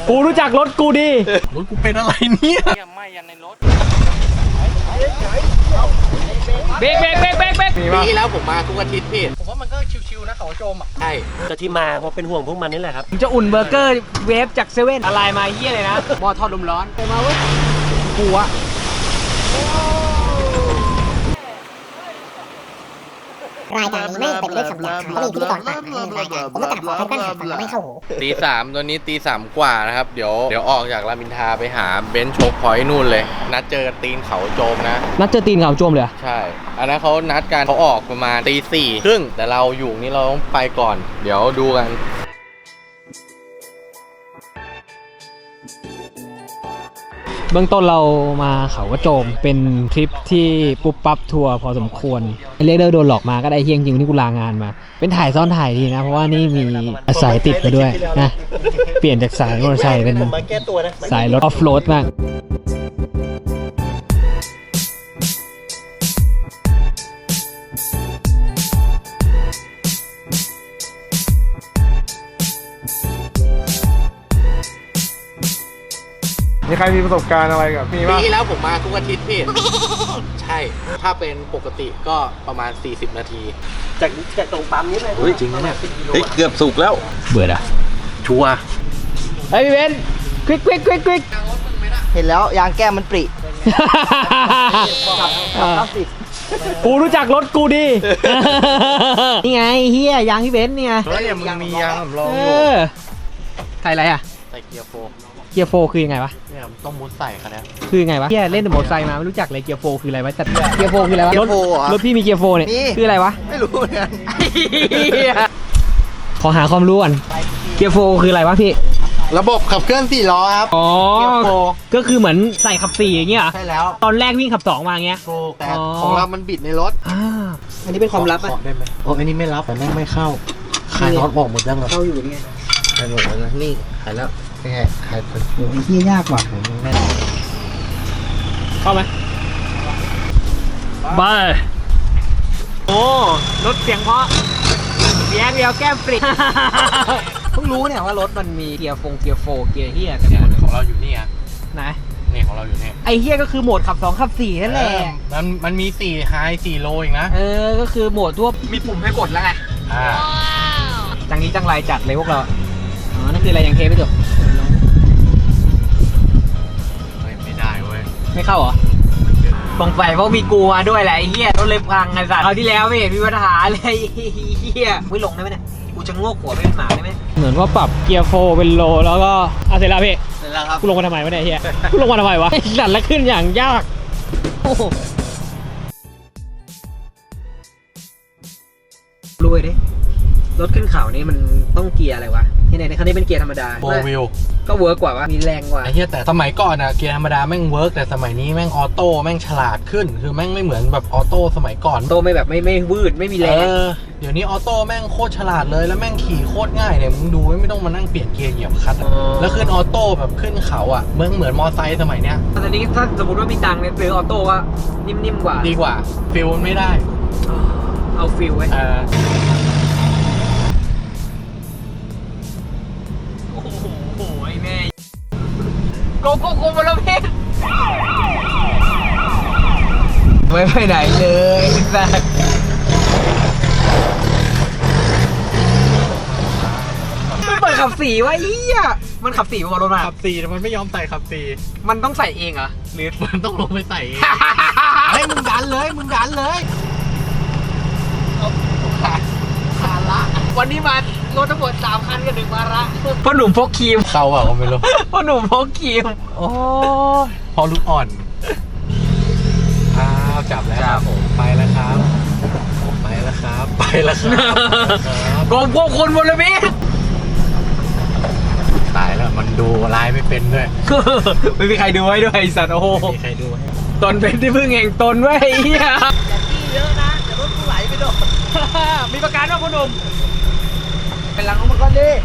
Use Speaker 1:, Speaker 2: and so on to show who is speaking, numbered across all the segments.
Speaker 1: กูรู้จักรถกูดี
Speaker 2: รถกูเป็นอะไรเนี่ย
Speaker 3: ไม่ยันในรถ
Speaker 1: เบรก
Speaker 2: ปีแล้วผมมาทุกอาทิตย์พี่ผมว่ามันก็ชิวๆนะเขาโจมอ่ะ
Speaker 3: ใช่ก็ที่มาเพราะเป็นห่วงพวกมันนี่แหละครับ
Speaker 1: จะอุ่นเบอร์เกอร์เวฟจากเซเว่นอะไรมาเฮี้ยเลยนะหม้อทอดลมร้อนไปมาเว้ยกูอะ
Speaker 4: รายการนี้ไม่เป็นเรื่องคำหยาบและมีพิธีกรปากหมาในรายการผมต้องกราบขอให้ท่านหาฟังแล้วไม่เข้าหู
Speaker 2: ตี 3ตัวนี้ตี 3 กว่านะครับเดี๋ยวออกจากรามอินทราไปหาเบนช์โชคพอยต์นู่นเลยนัดเจอตีนเขาโจมนะ
Speaker 1: นัดเจอตีนเขาโจมเลย
Speaker 2: ใช่อันนั้นเขานัดกันเขาออกประมาณตี 4 ครึ่งแต่เราอยู่นี่เราต้องไปก่อนเดี๋ยวดูกัน
Speaker 1: เบื้องต้นเรามาเขากระโจมเป็นทริปที่ปุ๊บปั๊บทัวร์พอสมควรเรียกได้โดนหลอกมาก็ได้เฮี้ยงจริงที่กูลางานมาเป็นถ่ายซ่อนถ่ายดีนะเพราะว่านี่มีสายติดมาด้วยนะเปลี่ยนจากสายมอเตอร์ไซค์เป็นสายรถออฟโรดมาก
Speaker 5: มีใครมีประสบการณ์อะไรกับพี่บ้าง
Speaker 2: ปีแล้วผมมาทุกอาทิตย์พี่ใช่ถ้าเป็นปกติก็ประมาณ40 นาที
Speaker 3: จากตรงปั๊มนี้เลย
Speaker 2: จริงนะเนี่ยเกือบสุกแล้ว
Speaker 1: เบื่ออะ
Speaker 2: ชัวร์
Speaker 1: เฮ้ยพี่เบนควิก
Speaker 3: เห็นแล้วยางแก้มมันปริ
Speaker 1: กูรู้จักรถกูดีนี่ไงเฮียยางพี่เบนเนี่ย
Speaker 2: เนี่ยมึงมียางสำรองอยู่
Speaker 1: ใส่อะไรอ่ะ
Speaker 2: ใส่เกียร์โฟ
Speaker 1: คือยังไงวะ
Speaker 2: เนี่ยต้องมุดใส่คันนี้
Speaker 1: คือยังไงวะเฮียเล่นแต่มอเตอร์ไซค์มาไม่รู้จักเลยเกียร์โฟคืออะไรวะแต่เกียร์โฟคืออะไรวะรถพี่มีเกียร์โฟเนี่ยคืออะไรวะ
Speaker 3: ไม่รู้เหมือนกัน
Speaker 1: ขอหาความรู้ก่อนเกียร์โฟคืออะไรวะพี่
Speaker 2: ระบบขับเคลื่อน4 ล้อครับ
Speaker 1: อ๋อก็คือเหมือนใส่ขับ4อย่างเงี้ย
Speaker 2: ใช่แล้ว
Speaker 1: ตอนแรกวิ่งขับ2มาเงี้ย
Speaker 2: แต่ของเรามันบิดในรถ
Speaker 1: อันนี้เป็นความลับ
Speaker 2: อะได้ไหมโอ้อันนี้ไม่รับแต่ไม่เข้าขายน็อตบอกหมดยังเหรอ
Speaker 1: เข้าอยู่นี่
Speaker 2: ขายหมดแล้วนะนี่ขายแล้วแค่ขาย
Speaker 1: โอ้ยเฮียยากว่ะเข้าไหมไปโอ้รถเสียงเพราะเสียงเดียวแก้มปริเพิ่งรู้เนี่ยว่ารถมันมีเกียร์โฟเกียร์เฮียกันหมด
Speaker 2: ของเราอยู่นี่อ่ะ
Speaker 1: ไหน
Speaker 2: นี่ของเราอยู่นี่
Speaker 1: ไอเฮียก็คือโหมดขับ2ขับ4นั่นแหละ
Speaker 2: มันมี4ไฮ4โลอีกนะ
Speaker 1: ก็คือโหมดทั่วมีปุ่มให้กดแล้วไงจังนี้จังไรจัดเลยพวกเราอ๋อนั่นคืออะไรยังเทไม่จบ
Speaker 2: ไม่ได้เว้ย
Speaker 1: ไม่เข้าเหรอตรงไฟเพราะมีกูมาด้วยแหละไอ้เหี้ยรถเลยพังไอ้สัตว์เอาที่แล้วไม่เห็นมีปัญหาเลยไอ้เหี้ยไม่ลงได้ไหมเนี่ยกูจะโงกหัวไปเป็นหมาได้ไหมเหมือนว่าปรับเกียร์โฟเป็นโลแล้วก็เสร็จแล้วพี่
Speaker 2: เสร็จแล้วครับ
Speaker 1: กูลงมาทำไมวะเนี่ยเหี้ยกูลงมาทำไมวะสั่นแล้วขึ้นอย่างยากรวยดิรถขึ้นเขานี่มันต้องเกียร์อะไรวะที่ไหนในคันนี้เป็นเกียร์ธรรมดา
Speaker 2: โฟวิล
Speaker 1: ก็เวิร์กกว่าวะมีแรงกว่า
Speaker 2: ไอ้เหี้ยแต่สมัยก่อนอะเกียร์ธรรมดาแม่งเวิร์กแต่สมัยนี้แม่งออโต้แม่งฉลาดขึ้นคือแม่งไม่เหมือนแบบออโต้สมัยก่อน
Speaker 1: โตไม่แบบไม่วืดไม่มีแรง
Speaker 2: เดี๋ยวนี้ออโต้แม่งโคตรฉลาดเลยแล้วแม่งขี่โคตรง่ายเนี่ยมึงดูไม่ต้องมานั่งเปลี่ยนเกียร์เหยียบคลัตช์แล้วขึ้นออโต้แบบขึ้นเขาอะเหมือนมอไซค์สมัยเนี้ย
Speaker 1: ตอนนี้ถ้าสมมติว่ามีตังค์เนี่ยซื้อออโต้ก็นิ่มกว่า
Speaker 2: ดีกว่าฟิลไม่ได้
Speaker 1: เอาฟิลไว้โกมาแล้วพี่ไม่ไปไหนเลยสัสมันเปิดขับสีวะเหี้ยมันขับสีมารถมา
Speaker 2: ขับสีแต่มันไม่ยอมใส่ขับสี
Speaker 1: มันต้องใส่เองเหรอหรือ
Speaker 2: มันต้องลงไปใส่เองให้มึงดันเลย
Speaker 1: ภาระวันนี้มารถทั้งหมด3 คันกับ1 ภาระพ่อหนุ่มพกครีม
Speaker 2: เขาอะก็ไม่รู้
Speaker 1: พ่อหนุ่มพกครีม
Speaker 2: โอ้พอลูกอ่อนจับแล้วครับผมไปแล้วครับ
Speaker 1: โกงพวกคนหมดเลยพี่
Speaker 2: ตายแล้วมันดูลายไม่เป็นด้วย
Speaker 1: ไม่มีใครดูให้ด้วยสัตว์โอ้โห
Speaker 2: ไม่มีใครดูให้
Speaker 1: ตนเป็นที่พึ่งแห่งตนไว้เฮีย
Speaker 3: อย่าจี้เยอะนะเดี๋ยวรถกูไหลไปโดน
Speaker 1: มีประกันว่าพ่อหนุ่ม
Speaker 3: เป็นหลังมันก่อนดิ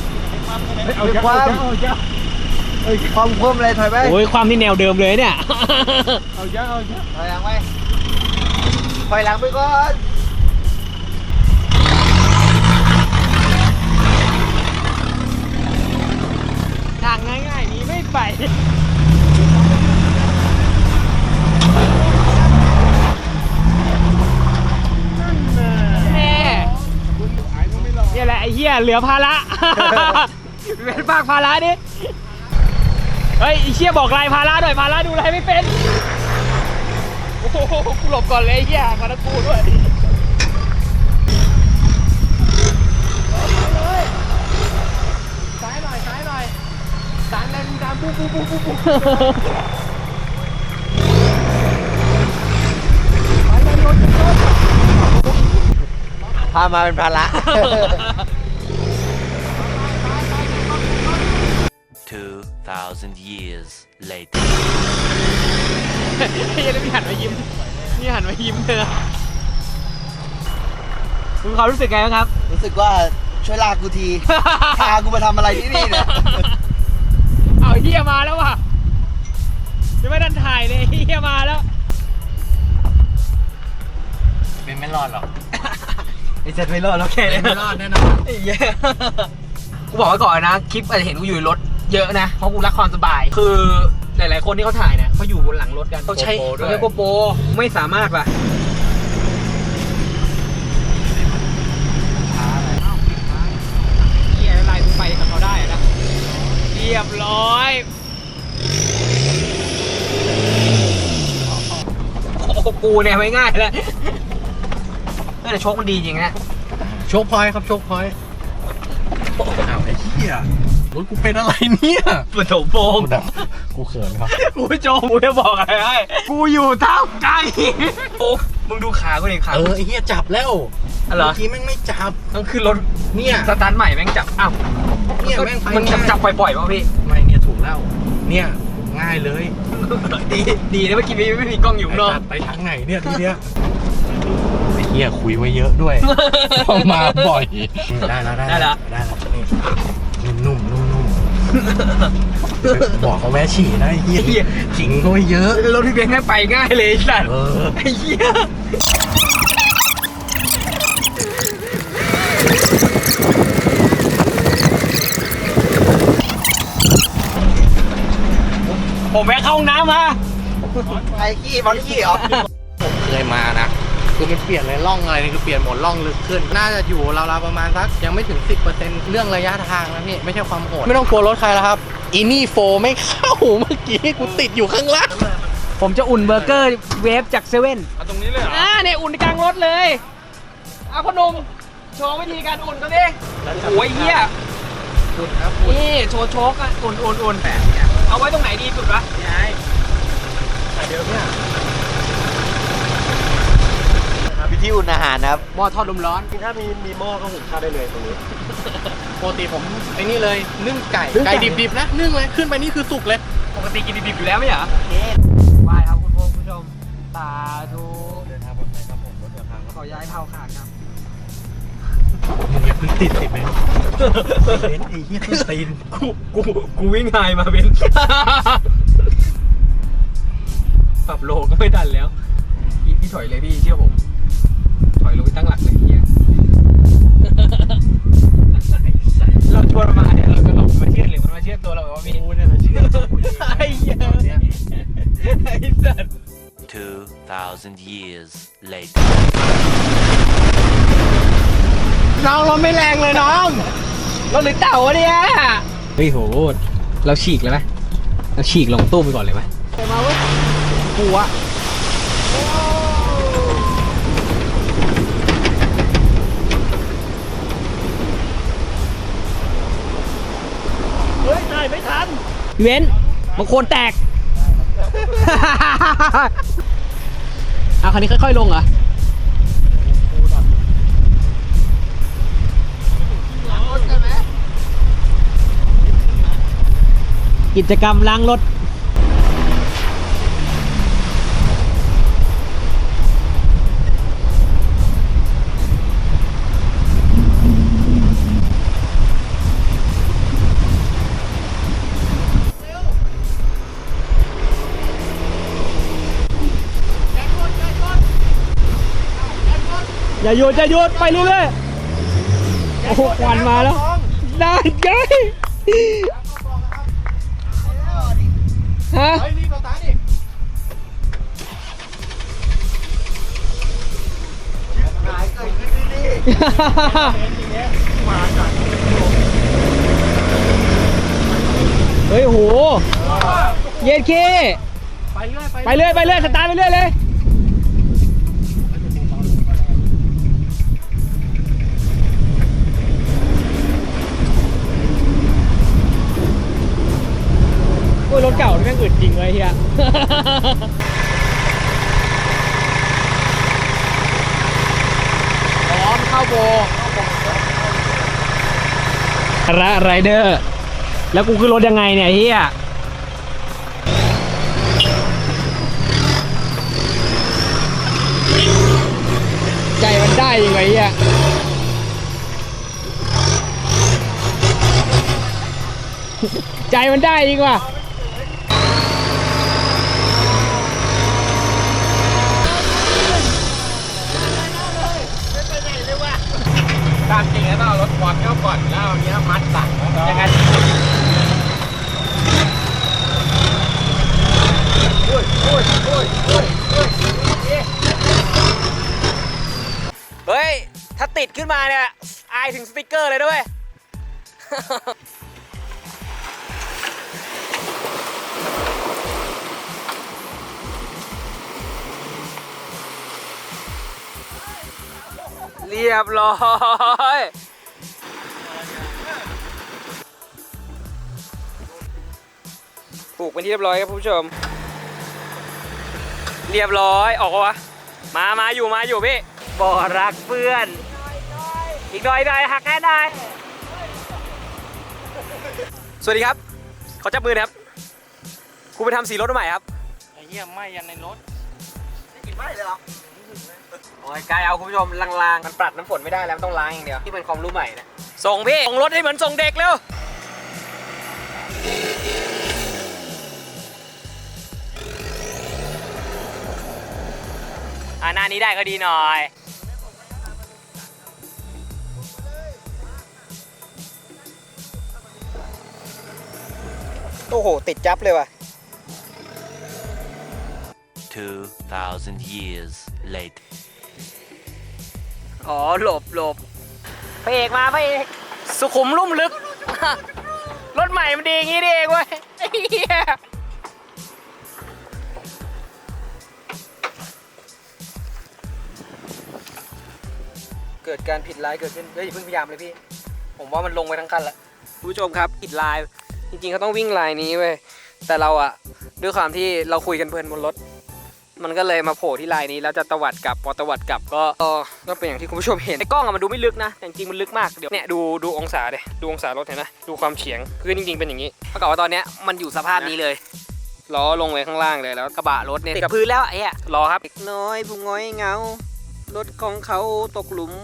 Speaker 3: ความคมเลยถอยไป
Speaker 1: โอ้ยความที่แนวเดิมเลยเนี่ย
Speaker 3: เอาเยอะถอยหลังไปก่อน
Speaker 1: ทางไงเหลือภาระ เป็นฝากภาระดิเฮ้ยไอ้เชี่ยบอกลายภาระหน่อยภาระดูลายไม่เป็นโอ้โหกูหลบก่อนเลยไอ้เหี้ยมาตะกูด้วยซ้ายหน่อยซ้ายหน่อยสารแรงดำปุ๊บปุ๊บปุ๊บปุ๊บ
Speaker 3: พามาเป็นภาระ
Speaker 6: 2,000 years later.
Speaker 1: ไอ้ยันนี่หันมายิ้มนี่หันมายิ้มเลยนะคุณความรู้สึกไงบ้างครับ
Speaker 3: รู้สึกว่าช่วยลากกูที พากูมาทำอะไรที่นี่เนี่ย
Speaker 1: เอาเฮียมาแล้วว่ะยังไม่ทันถ่ายเลยเฮียมาแล้ว
Speaker 2: เป็นไม่รอดหรอก
Speaker 3: ไอ้เจ็ดไม่รอดแล้วแค่
Speaker 2: เป็น
Speaker 3: นี้
Speaker 2: ไม่รอดแน่นอน
Speaker 1: ไอ้เหี้ยกูบอกไว้ก่อนนะคลิปอาจจะเห็นกูอยู่ในรถเยอะนะเพราะกูรักความสบาย คือหลายๆคนที่เขาถ่ายเนี่ยเขาอยู่บนหลังรถกันเขาใช้โกโปรไม่สามารถว่ะเฮียอะไรกูไปกับเขาได้นะเรียบร้อยโอ้โหกูเนี่ยไม่ง่ายเลยแต่โชคมันดีจริงนะ
Speaker 2: โชคพอยต์ครับโชคพอยต์อ้าวไอ้เหี้ยรถกูเป็นอะไรเนี่ย
Speaker 1: ปฐมโปง
Speaker 2: กูเขินครับ
Speaker 1: กูไม่โจมกูจะบอกอะไรให้กูอยู่ท่ามกลางหินโอ้มึงดูขากูดิขา
Speaker 2: ไอ้เหี้ยจับแล้ว
Speaker 1: อะไร
Speaker 2: เมื่อกี้แม่งไม่จับ
Speaker 1: ต้องขึ้นรถ
Speaker 2: เนี่ย
Speaker 1: สตาร์ทใหม่แม่งจับอ้าว
Speaker 2: เนี่ยแม่งไป
Speaker 1: มันจับปล่อยๆป่ะพี่
Speaker 2: ไม่เนี่ยถูกแล้ว เนี่ยง่ายเลย
Speaker 1: ดีนะเมื่อกี้ไม่มีกล้องอยู่ข้างนอก
Speaker 2: ไปทางไหนเนี่ยทีเนี้ยไอ้เหี้ยคุยไว้เยอะด้วย เพราะมาบ่อยได้แล้วได้แล้วนี่นุ่มๆนุ่มๆบอกเขาแม่ฉี่นะไอ้เหี้ยขิงเขาไว้เยอะ
Speaker 1: รถพี่เบนซ์แม่งไปง่ายเลยไอ้สัตว์
Speaker 2: เออ
Speaker 1: ไอ้เหี้ยผมแวะเข้าห้องน้ำมา
Speaker 3: ไอ้ขี้บอลขี้เหรอ
Speaker 2: ผมเคยมานะ คือมันเปลี่ยนเลยร่องอะไรนี่คือเปลี่ยนหมดร่องลึกขึ้น น่าจะอยู่ราวๆประมาณสักยังไม่ถึง 10%เรื่องระยะทางนะพี่ไม่ใช่ความโหดไม่ต้องกลัวรถใครแล้วครับอีนี่โฟไม่เข้าเมื่อกี้กูติดอยู่ข้างล่าง
Speaker 1: ผมจะอุ่นเบอร์เกอร์เวฟจากเซเว่น
Speaker 2: ตรงนี้เลยเหรอ
Speaker 1: เนี่ยอุ่นกลางรถเลยเอาพ่อหนุ่มโชว์วิธีการอุ่นกันดิโอ้ยเหี้ย
Speaker 2: คุณครับ
Speaker 1: นี่โชว์โชกอ่ะอุ่นแบบเอาไว้ตรงไหนดีสุดวะ
Speaker 2: ยายแต่เดิมเนี่ย
Speaker 3: วิธีอุ่นอาหารนะครับ
Speaker 1: หม้อทอดลมร้อน
Speaker 2: ถ้ามีหม้อก็หุงข้าวได้เลยตรงนี้ปกติผมไอ้นี่เลยนึ่งไก่ไก่ดิบๆนะนึ่งเลยขึ้นไปนี่คือสุกเลย
Speaker 1: ปกติกินดิบๆอยู่แล้วไม่เหรอไหว้ครับคุณผู้ชมสาธุ
Speaker 2: เดินทางปลอดภัยครับผมรถเดินทางครับ
Speaker 1: ขอย้ายเท้าขาดครับ
Speaker 2: มึงอย่าเพิ่งติดเลยเบนไอ้เหี้ยขึ้นตีน
Speaker 1: กูวิ่งไฮมาเบนปรับโลก็ไม่ทันแล้วพี่ถอยเลยพี่เชื่อผมถอยลงไปตั้งหลักเลยพี่เราชวนมาเนี่ยเราก็หลงมาเชื่อหรือมันมาเชื่อตัวเราว่าพี่
Speaker 2: กูเนี่ยนะเชื่อ
Speaker 1: ไอ้เหี้ยไอ้สัตว์
Speaker 6: 2,000 years later.
Speaker 2: น้องเราไม่แรงเลยน้อง
Speaker 1: เราหรือเต่าวะเนี่ยเฮ้ยโหเราฉีกเลยไหมเราฉีกลงตู้ไปก่อนเลยไหมมาเว้ยกูอะเฮ้ยถ่ายไม่ทันเว้นบางคนแตก เอาคันนี้ค่อยๆลงเหรอกิจกรรมล้างรถอย่าหยุดไปเรื่อยๆโอ้โหควันมาแล้วได้ไงฮะ
Speaker 2: เฮ้ยรีบสตาร์ทดิ
Speaker 3: หายเกิดขึ้นที่นี่
Speaker 2: มาจัด
Speaker 1: ฮ้ยโหเย็ดเคไปเรื่อยสตาร์ทไปเรื่อยเลยโอ้ยรถเก่าที่แม่งอึดจริงเลยเฮียพร้อมเข้าโบไรเดอร์แล้วกูขึ้นรถยังไงเนี่ยเฮียใจมันได้ยังไงเฮียใจมันได้จริงว่ะ
Speaker 2: ตามจริงแล้วต้องเอารถควอนเข้าก่อนแล้วเอาเนี้ยมัดสั่งยังไง
Speaker 1: เฮ้ยถ้าติดขึ้นมาเนี่ยอายถึงสติ๊กเกอร์เลยด้วย เรียบร้อยปลูกเป็นที่เรียบร้อยครับผู้ชมเรียบร้อยออกวะมาอยู่พี่บ่อรักเพื่อนอีกหน่อยหักแน่นายสวัสดีครับขอจับมือนะครับกูไปทำสีรถใหม่ครับไอ้เหี้ยไหม้ยันในรถได้กลิ่นไหม้เลยเหรอโอ้ยกายเอาคุณผู้ชมลางๆมันปรัดน้ำฝนไม่ได้แล้วมันต้องล้างอย่างเดียวที่เป็นความรู้ใหม่นะส่งพี่ส่งรถให้เหมือนส่งเด็กเร็วหน้านี้ได้ก็ดีหน่อยโอ้โหติดจับเลยว่ะ
Speaker 6: 2,000 years later.
Speaker 1: อ๋อหลบพระเอกมาพระเอกสุขุมลุ่มลึก รถใหม่มันดีอย่างงี้นี่เองเว้ยไอ้เหี้ยเกิดการผิดลายเกิดขึ้นอย่าเพิ่งพยายามเลยพี่ผมว่ามันลงไปทั้งคันละคุณผู้ชมครับผิดลายจริงๆเขาต้องวิ่งลายนี้เว้ยแต่เราอะด้วยความที่เราคุยกันเพลินบนรถมันก็เลยมาโผล่ที่ลายนี้แล้วจะตวัดกลับพอตวัดกลับก็เป็นอย่างที่คุณผู้ชมเห็นในกล้องอะมันดูไม่ลึกนะแต่จริงๆมันลึกมากเดี๋ยวเนี่ยดูองศาเลยดูองศารถเห็นนะดูความเฉียงคือจริงๆเป็นอย่างนี้เท่ากับว่าตอนเนี้ยมันอยู่สภาพนี้เลยล้อลงไปข้างล่างเลยแล้วกระบะรถเนี่ยติดกับพื้นแล้วไอ้อะรอครับเด็กน้อยผู้ง้อยเงารถของเขาตกหลุม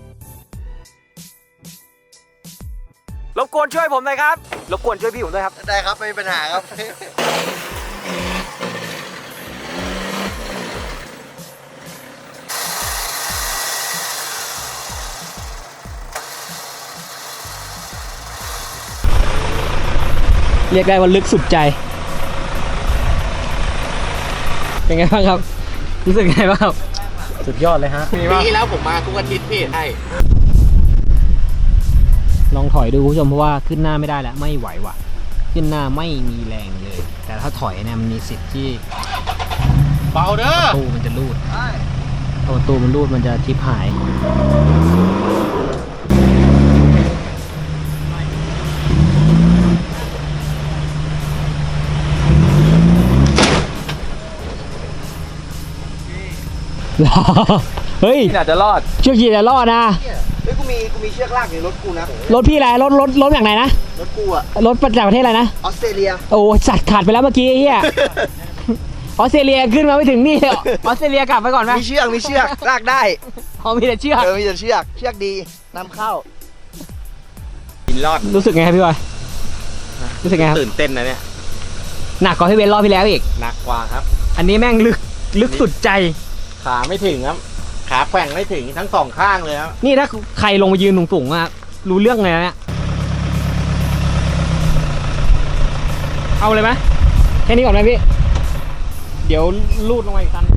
Speaker 1: รบกวนช่วยผมหน่อยครับรบกวนช่วยพี่ผมด้วยครับ
Speaker 3: ได้ครับไม่มีปัญหาครับ
Speaker 1: เรียกได้ว่าลึกสุดใจเป็นไงบ้างครับรู้สึกไงบ้างครับสุดยอดเลยฮะ
Speaker 2: ปีที่แล้วผมมาทุกอาทิตย์พี่ใช่
Speaker 1: ลองถอยดูคุณผู้ชมเพราะว่าขึ้นหน้าไม่ได้แล้วไม่ไหวว่ะขึ้นหน้าไม่มีแรงเลยแต่ถ้าถอยเนี่ยมันมีสิทธิ์ที่
Speaker 2: เบาเด้อ
Speaker 1: ประตูมันจะรูดพอประตูมันรูดมันจะทิพหายเฮ้ย
Speaker 3: อาจจะรอด
Speaker 1: เชือกขี่จะรอดนะ
Speaker 3: เฮ้ยกูมีเชือกลากอยู่รถกูนะ
Speaker 1: รถพี่อะไรรถอย่างไหนนะ
Speaker 3: รถกูอะ
Speaker 1: รถจากประเทศอะไรนะ
Speaker 3: ออสเตรเลีย
Speaker 1: โอ้สัตว์ขาดไปแล้วเมื่อกี้เฮียออสเตรเลียขึ้นมาไม่ถึงนี่ออสเตรเลียกลับไปก่อนไหม
Speaker 3: มีเชือกลากได้
Speaker 1: มีแต่เชือก
Speaker 3: มีแต่เชือกดีนำเข้า
Speaker 2: กินรอด
Speaker 1: รู้สึกไงครับพี่บอยรู้สึกไงครับ
Speaker 2: ตื่นเต้นนะเนี่ย
Speaker 1: หนักกว่าพี่เบนรอบที่แล้วอีก
Speaker 2: หนักกว่าครับ
Speaker 1: อันนี้แม่งลึกสุดใจ
Speaker 2: ขาไม่ถึงครับขาแกว่งไม่ถึงทั้งสองข้างเลยครับ
Speaker 1: นี่ถ้าใครลงมายืนสูงๆอะรู้เรื่องเลยนะเนี่ยเอาเลยไหมแค่นี้ก่อนไหมพี่เดี๋ยวลูดลงมาอีกคัน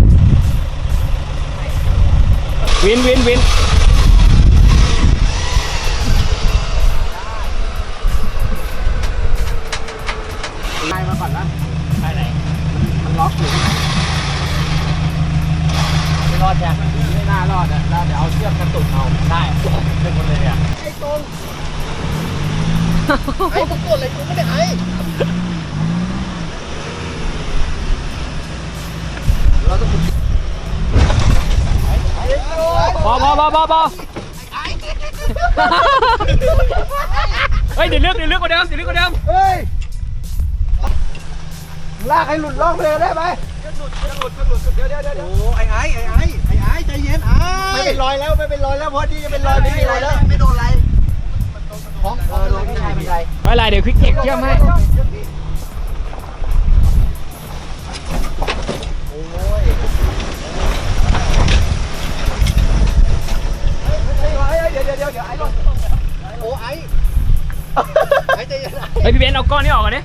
Speaker 1: วิน
Speaker 2: ไอ้มึงกดอะไรกูไม่ได้ไอ้
Speaker 1: พอเฮ้ยเดี๋ยวเลือกกว่าเดิม
Speaker 3: เฮ้ยลากให้หลุดล่องไปเลยได้ไหมเดี๋ยวโอ้ไอ้ใจเย็นไม่เป็นรอยแล้วเพราะที่จะเป็นรอยไม่มีรอยแล้วไม่โดนอะไรของลงที่ไหนเป็นไร
Speaker 1: ไม่เป็นไรเดี๋ยวควิกเทคเชื่อมให้
Speaker 3: เดี๋ยวไอ้ลงโอ้ไอ้ใจเย็น
Speaker 1: เฮ้ยพี่เบนซ์เอาก้อนนี้ออกก่อนดิ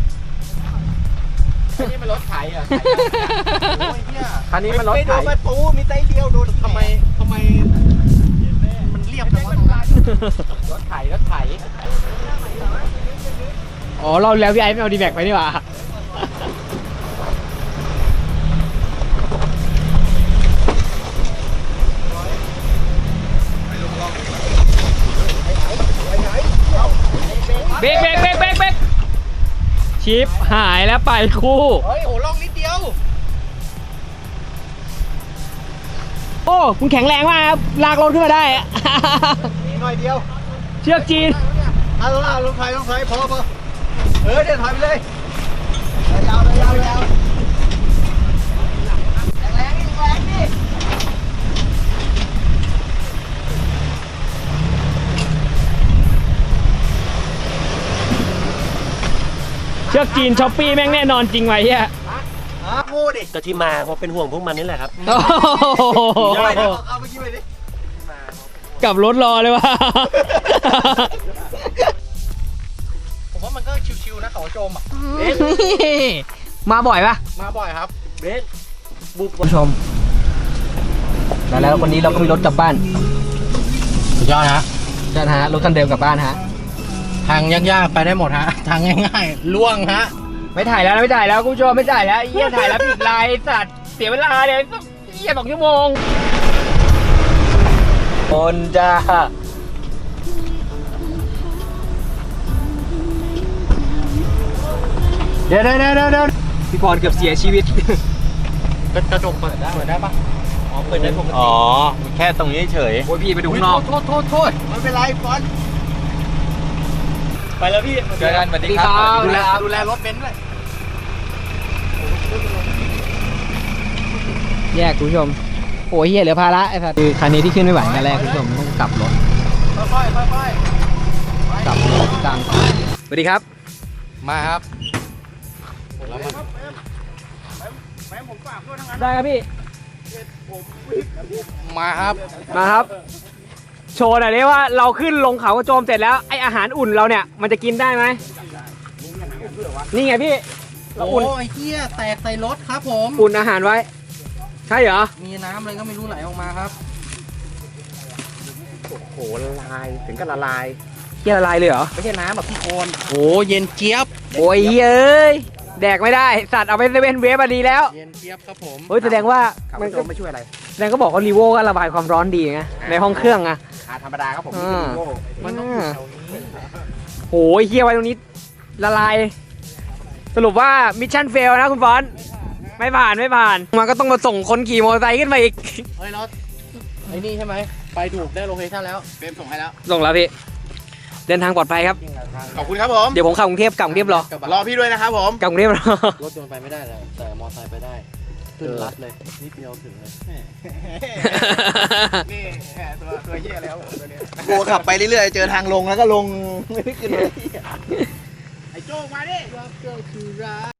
Speaker 2: นี่มันรถไถอ่ะ
Speaker 3: คันนี้มันรถไถไม่โดนประตูมีไตเดียวโดนทำไมมันเรียบจังวะรถไถ
Speaker 1: อ๋อเราแล้วพี่ไอ้ไม่เอาดีแบ็กไปนี่หว่าเบรกชิปหายแล้วไปคู่
Speaker 2: เฮ้ยโหล่องนิดเดียว
Speaker 1: โอ้คุณแข็งแรงมากครับลากรถขึ้นมาได้อะ
Speaker 3: หน่อยเดียว
Speaker 1: เชือกจีน
Speaker 3: เอาลงถอยพอเดี๋ยวถอยไปเลยยาวแรงดิ
Speaker 1: เชือกจีนช้อปปี้แม่งแน่นอนจริงไว้เฮีย
Speaker 3: งูดิ
Speaker 7: ก็ที่มาเพราะเป็นห่วงพวกมันนี่แหละครับ
Speaker 1: โอ้โห
Speaker 3: เอาไปกินไปดิ
Speaker 1: กลับรถรอเลยว่ะ
Speaker 2: ผมว่ามันก็ชิวๆนะเขาโจมอ่ะ
Speaker 1: มาบ่อยปะ
Speaker 2: มาบ่อยครับ
Speaker 7: เบสบุก
Speaker 1: ผู้ชมแล้ววันนี้เราก็มีรถกลับบ้าน
Speaker 2: สุดยอดฮะ
Speaker 1: ใช่ฮะรถคันเดิมกลับบ้านฮะ
Speaker 2: ทางยากๆไปได้หมดฮะ ทางง่ายๆล่วงฮะ
Speaker 1: ไม่ถ่ายแล้วคุณผู้ชมไม่ถ่ายแล้วเฮียถ่ายแล้วผิดไลน์สัตว์เสียเวลาเลยเฮีย2 ชั่วโมงคนจ้าเดี๋ยวพี่พรเกือบเสียชีวิต
Speaker 2: กระจกเปิดได้ปะอ๋อ เปิดได้ปกติ
Speaker 7: อ๋อ แค่ตรงนี้เฉย
Speaker 1: โอ้ยพี่ไปดูข้างนอก
Speaker 2: โทษไม่เป็นไรฟอน
Speaker 7: ไปแล้วพี่
Speaker 2: เจอกันสวัสดีครับดูแลรถเบนซ์ด้วย
Speaker 1: แยกคุณผู้ชมโอ้ยเฮียเหลือภาระไอ้สัตว์คือคันนี้ที่ขึ้นไม่ไหวคันแรกคุณผู้ชมต้องกลับรถ
Speaker 2: ค่อยๆ
Speaker 1: กลับรถกลางสวัสดีครับ
Speaker 2: มาครับ
Speaker 1: ได้ครับพี่
Speaker 2: มาครับ
Speaker 1: มาครับ โชว์หน่อยดิว่าเราขึ้นลงเขากระโจมเสร็จแล้วไออาหารอุ่นเราเนี่ยมันจะกินได้ไหมนี่ไงพี่เรา
Speaker 2: โอ้
Speaker 1: อุ่น
Speaker 2: ยเฮียแตกใส่รถครับผม
Speaker 1: อุ่นอาหารไว้ ใช่เหรอ
Speaker 2: มีน้ำอะไรก็ไม่รู้ไหลออกมาครับ
Speaker 3: โหละลายถึงกับละลาย
Speaker 1: เฮียละลายเลยเหรอ
Speaker 3: ไม่ใช่น้ำแบบพี่โคน
Speaker 2: โอ้เย็นเจี๊ยบ
Speaker 1: โอ้ยเอ้ยแดกไม่ได้สัตว์เอาไปเซเว่นเวฟมาดีแล้ว
Speaker 2: เย็นเจี๊ยบครับผม
Speaker 1: เฮ้ยแสดงว่า
Speaker 3: ขับ
Speaker 1: มัน
Speaker 3: โจ
Speaker 1: ก็
Speaker 3: มไม่ช่วยอะไร
Speaker 1: แสดงก็บอกว่ารีโวก็ระบายความร้อนดีไงในห้องเครื่องอะ
Speaker 3: ธรรมดาครับผมนี่คือโง่
Speaker 2: มันต้องอยู่แถวนี้
Speaker 1: โหยเฮียไว้ตรงนี้ละลาย สรุปว่ามิชชั่นเฟลนะคุณฟอนไม่ผ่านมันก็ต้องมาส่งคนขี่มอเตอร์ไซค์ขึ้นมาอีก
Speaker 2: เฮ้ยรถไอ้นี่ใช่ไหม ไปถูกได้โลเคชั่นแล้วเฟรมส่งให้แล้ว
Speaker 1: ส่งแล้วพี่เดินทางปลอดภัยครับ
Speaker 2: ขอบคุณครับผม
Speaker 1: เดี๋ยวผมขับกรุงเทพกลับกรุงเทพรอ
Speaker 2: รอพี่ด้วยนะครับผม
Speaker 1: กลับกรุงเทพรอ
Speaker 2: รถยนต์ไปไม่ได้แล้วแต่มอไซค์ไปได้ขึ้นรัดเลย นิดเดียวถึงเลย
Speaker 3: นี่ตัวเหี้ยแล้วตัวนี้โง่ขับไปเรื่อยๆเจอทางลงแล้วก็ลงไม่ได้ขึ้นเลยไอ้โจ้มาดิ